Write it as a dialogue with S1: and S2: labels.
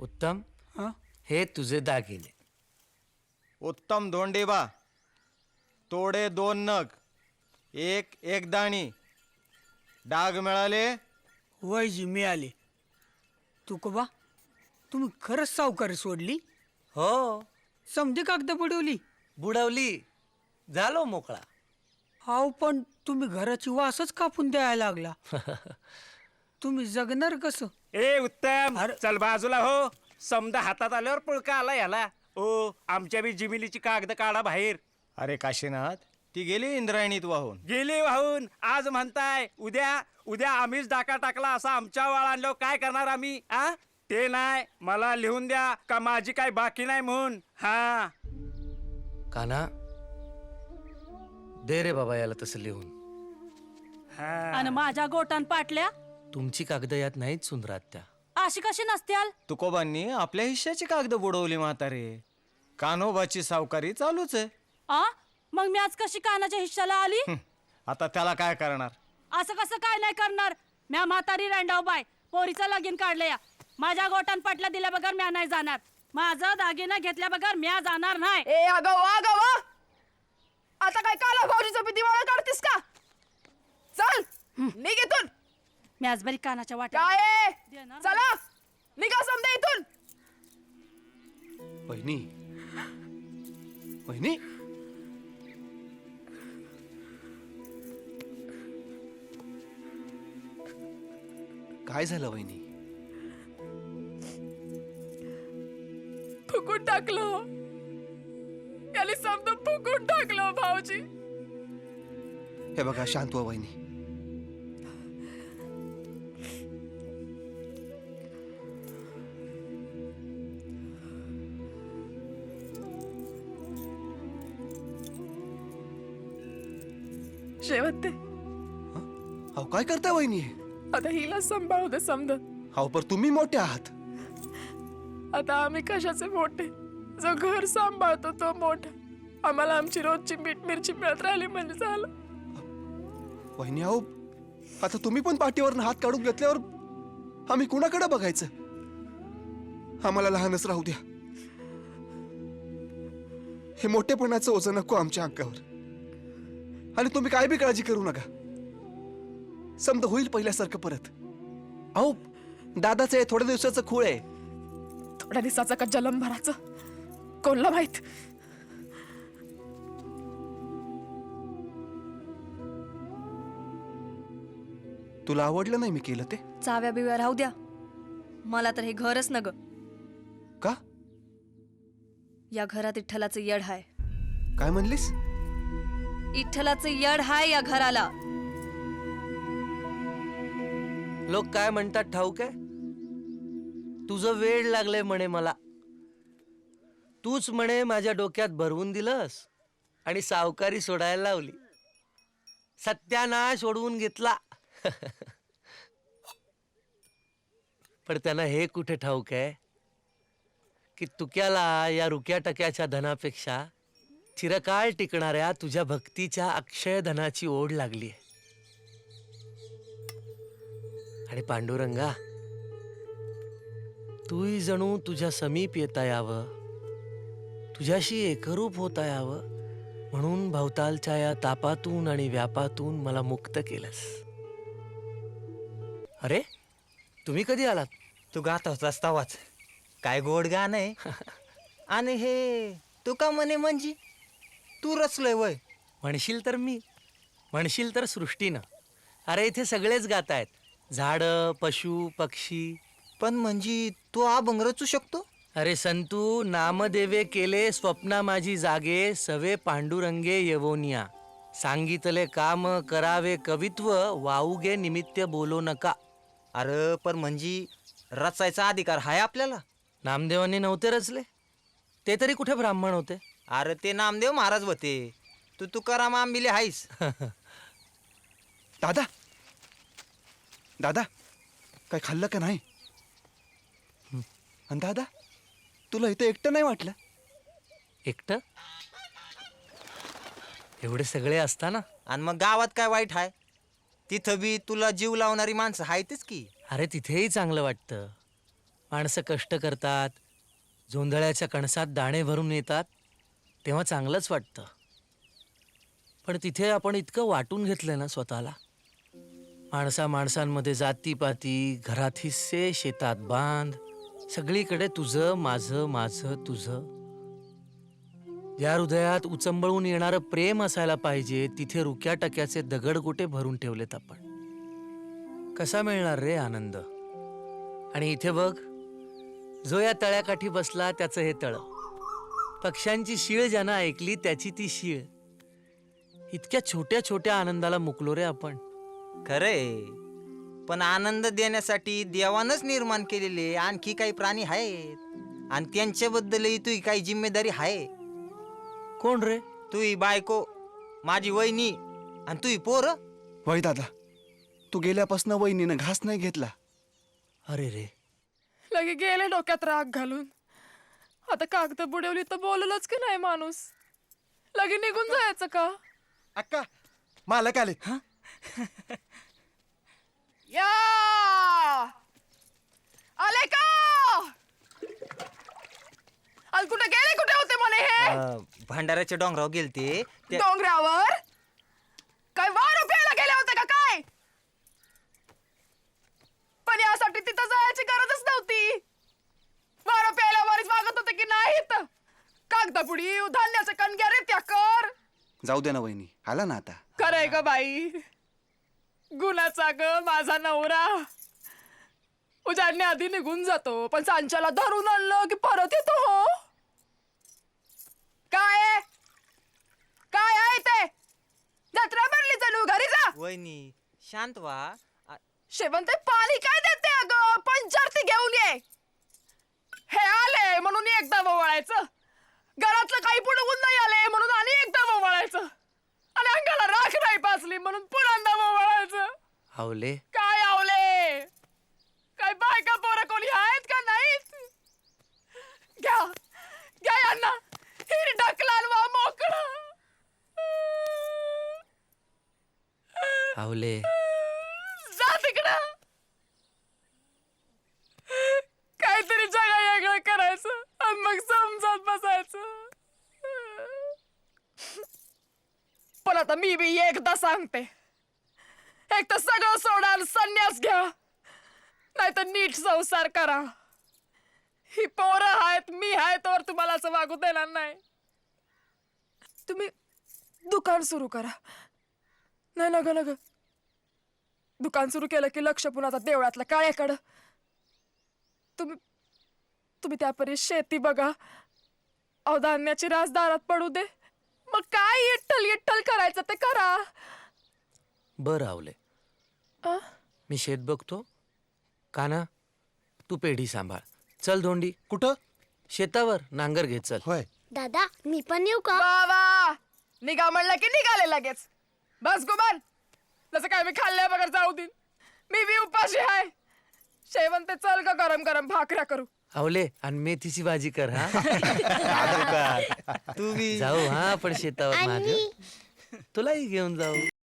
S1: उत्तम,
S2: हा?
S1: हे तुझे दागिने.
S3: उत्तम धोंडेबा, तोडे 2 नग, एक दाणी. डाग मिळाले?
S2: वयजी मिळाले. तुकोबा, तुम्ही खरंच सावकारी सोडली?
S1: हो,
S2: समधी कागद बुडवली?
S1: बुडवली. झालो मोकळा.
S2: हाव, पण तुम्ही घराची वासच कापून द्यायला लागला. तुम्ही जगणार कसं?
S4: ए उत्तम,
S2: अरे-
S4: चल बाजूला हो. समजा हातात आल्यावर पुळका आला याला. ओ, आमच्या बी जिमिलीची कागद काढा बाहेर.
S3: अरे काशीनाथ, ती गेली इंद्रायणीत वाहून.
S4: गेले वाहून. आज म्हणताय उद्या आम्हीच डाका टाकला असा आमच्या वाळ आणल्यावर काय करणार आम्ही? आ ते नाही, मला लिहून द्या का माझी काय बाकी नाही म्हणून. हा,
S1: काना, दे रे बाबा याला तसं लिहून.
S4: हा.
S5: आणि माझ्या गोटान पाटल्या
S1: तुमची कागद यात नाहीच सुंदरात त्या.
S5: अशी कशी नसत्याल?
S3: तुकोबांनी आपल्या हिश्श्याची कागद बुडवली म्हातारे. कान्होबाची सावकारी चालूच आहे.
S5: आ मग मी आज कशी कानाच्या हिश्श्याला आली?
S3: आता त्याला काय करणार?
S5: असं कसं काय नाही करणार? म्या म्हातारी रांडाव बाय पोरीचं लगीन काढलं या. माझ्या गोटान पाटल्या दिल्या बगर म्या नाही जाणार. माझं दागिना घेतल्या बगर म्या जाणार नाही.
S6: ए अगं आता काय काला भाऊजीचं भीती मला काढतीस का? चल निघ इथून.
S5: मी आज बरी कानाच्या वाट्या
S6: काय आहे?
S5: देणार
S6: चला निघा समजा इथून.
S1: वहिनी, वहिनी, काय झालं वहिनी?
S6: फुकून टाकलं. याने समजा फुकून टाकलं भाऊजी.
S7: हे बघा, शांत व्हा वहिनी.
S6: शेवट ते
S7: अहो काय करताय वहिनी?
S6: आता हिला सांभाळू दे समजा.
S7: अहो पर तुम्ही मोठे आहात.
S6: आता आम्ही कशाचे मोठे? जो घर सांभाळतो तो मोठा. आम्हाला आमची रोजची मीठ मिरची मिळत राहिली म्हणजे झालं.
S7: वहिनी अहो, आता तुम्ही पण पाठीवर हात काढून घेतल्यावर आम्ही कुणाकडे बघायचं? आम्हाला लहानच राहू द्या. हे मोठेपणाचं ओझं नको आमच्या अंगावर. आणि तुम्ही काय बी काळजी करू नका. समजा होईल पहिल्यासारखं परत. अहो दादाचं हे थोड्या दिवसाचं खूळ आहे.
S6: थोड्या दिवसाचं का जलमभराचं कोणला माहित.
S7: तुला आवडलं नाही मी केलं ते?
S8: चाव्या बिव्या राहू द्या. मला तर हे घरच न ग.
S7: का?
S8: या घरात इठ्ठलाचं यड हाय.
S7: काय म्हणलीस?
S8: इठ्ठलाचं यड हाय या घराला.
S1: लोक काय म्हणतात ठाऊक आहे? तुझं वेळ लागलंय म्हणे मला. तूच म्हणे माझ्या डोक्यात भरवून दिलंस आणि सावकारी सोडायला लावली. सत्यानाश ओढवून घेतला. पण त्यांना हे कुठे ठाऊक आहे की तुक्याला या रुक्या टक्याच्या धनापेक्षा चिरकाळ टिकणाऱ्या तुझ्या भक्तीच्या अक्षय धनाची ओढ लागली आहे. आणि पांडुरंगा, तूही जणू तुझ्या समीप येता यावं, तुझ्याशी एकरूप होता यावं म्हणून भवतालच्या या तापातून आणि व्यापातून मला मुक्त केलंस. अरे, तुम्ही कधी आलात?
S9: तू गात होतास तवाच. काय गोड गाणं आहे. आणि हे तू का म्हणे म्हणजे तू रचलंय वय.
S1: म्हणशील तर मी, म्हणशील तर सृष्टीनं. अरे इथे सगळेच गात आहेत. झाडं, पशु, पक्षी.
S9: पण म्हणजे तू अभंग रचू शकतो?
S1: अरे संतू, नामदेवे केले स्वप्ना माझी जागे, सवे पांडुरंगे यवोनिया. सांगितले काम करावे कवित्व, वाऊगे निमित्त बोलो नका.
S9: अरे पण म्हणजे रचायचा अधिकार हाय आपल्याला.
S1: नामदेवांनी नव्हते रचले? ते तरी कुठे ब्राह्मण होते?
S9: अरे ते नामदेव महाराज होते. तू तुकाराम आंबिले हायस.
S7: दादा, दादा, काय खाल्लं का नाही? आणि दादा, तुला इथं एकटं नाही वाटलं?
S1: एकटं? एवढे सगळे असताना?
S9: आणि मग गावात काय वाईट हाय? तिथं बी तुला जीव लावणारी माणसं हायतच की.
S1: अरे तिथेही चांगलं वाटतं. माणसं कष्ट करतात, जोंधळ्याच्या कणसात दाणे भरून येतात, तेव्हा चांगलंच वाटतं. पण तिथे आपण इतकं वाटून घेतलंय ना स्वतःला. माणसांमध्ये जातीपाती, घरात हिस्से, शेतात बांध, सगळीकडे तुझं माझं माझं तुझं. या हृदयात उचंबळून येणारं प्रेम असायला पाहिजे, तिथे रुक्या टक्याचे दगडगोटे भरून ठेवलेत आपण. कसा मिळणार रे आनंद? आणि इथे बघ, जो या तळ्याकाठी बसला त्याचं हे तळ. पक्ष्यांची शीळ ज्यानं ऐकली त्याची ती शीळ. इतक्या छोट्या छोट्या आनंदाला मुकलो रे आपण.
S9: खरंय, पण आनंद देण्यासाठी देवानच निर्माण केलेले आणखी काही प्राणी आहेत आणि त्यांच्याबद्दलही तुझी काही जिम्मेदारी आहे.
S1: कोण रे?
S9: तुझी बायको, माझी वहिनी आणि तुझी पोर.
S7: वय दादा, तू गेल्यापासून वहिनीनं घास नाही घेतला.
S1: अरे रे,
S6: लगे गेले डोक्यात राग घालून. आता कागद बुडवली तर बोललंच की नाही माणूस. लगे निघून जायचं का?
S7: अक्का, मालक आले.
S6: या आले का? आज कुठे गेले, कुठे होते म्हणे हे?
S9: भंडाऱ्याच्या डोंगरावर गेलते.
S6: डोंगरावर काय वार प्यायला गेले होते का काय? पण यासाठी तिथं जायची गरजच नव्हती. वार प्यायला वारीच वागत होते की नाहीत? कागदापुडी धान्याचे कणग्या रे त्या कर.
S7: जाऊ दे ना वहिनी, आला ना आता.
S6: खरंय ग बाई, गुणाचा ग माझा नवरा. उजाडणे आधी निघून जातो, पण सांच्याला धरून आणलं की परत येतो. हो काय काय आहे ते? जत्रा भरली चालू, घरी जा.
S9: वहिनी शांत व्हा.
S6: शेवंत पाणी काय देते अगं? पंचारती घेऊन ये. हे आले म्हणून एकदा वळायचं, घरातलं काही पुढवून नाही आले म्हणून आणि एकदा वळायचं, आणि अंगाला राख नाही पासली म्हणून पुन्हा वळायचं.
S1: आवले,
S6: काय आवले? काय बायका पोरं कोणी आहेत का नाहीत? घ्या घ्या यांना, हिर ढकलाल वा मोकळा.
S1: आवले,
S6: जा तिकडं. काहीतरी जगा वेगळं करायचं आणि मग समजात बसायचं. पण आता मी बी एकदा सांगते, एक तर सगळं सोडा आणि संन्यास घ्या, नाही तर नीट संसार करा. ही पोरं आहेत, मी आहे, तर तुम्हाला असं वागू देणार नाही. तुम्ही दुकान सुरू करा. नाही नग नग, दुकान सुरू केलं की लक्ष पुन्हा आता देवळातल्या काळ्याकडं. तुम्ही त्यापरी शेती बघा. अहो धान्याची रास दारात पडू दे, मग काय इट्टल इट्टल करायचं ते करा.
S1: बरं आवले, मी शेत बघतो. काना, तू पेढी सांभाळ. चल धोंडी.
S7: कुठं?
S1: शेतावर नांगर घे चल.
S7: होय.
S10: दादा मी पण येऊ का?
S6: वा वा, निघा म्हणलं की निघाले लगेच. बस गुमान, जसं काय मी खाल्ल्या बगर जाऊ देईन. मी बी उपाशी आहे. शेवंत चल ग, गरम गरम भाकऱ्या करू.
S1: आवले, आणि मेथीची भाजी कर. हा
S9: तू बी
S1: जाऊ हा आपण शेतावर
S10: आणि
S1: माझ्या, तुलाही घेऊन जाऊ.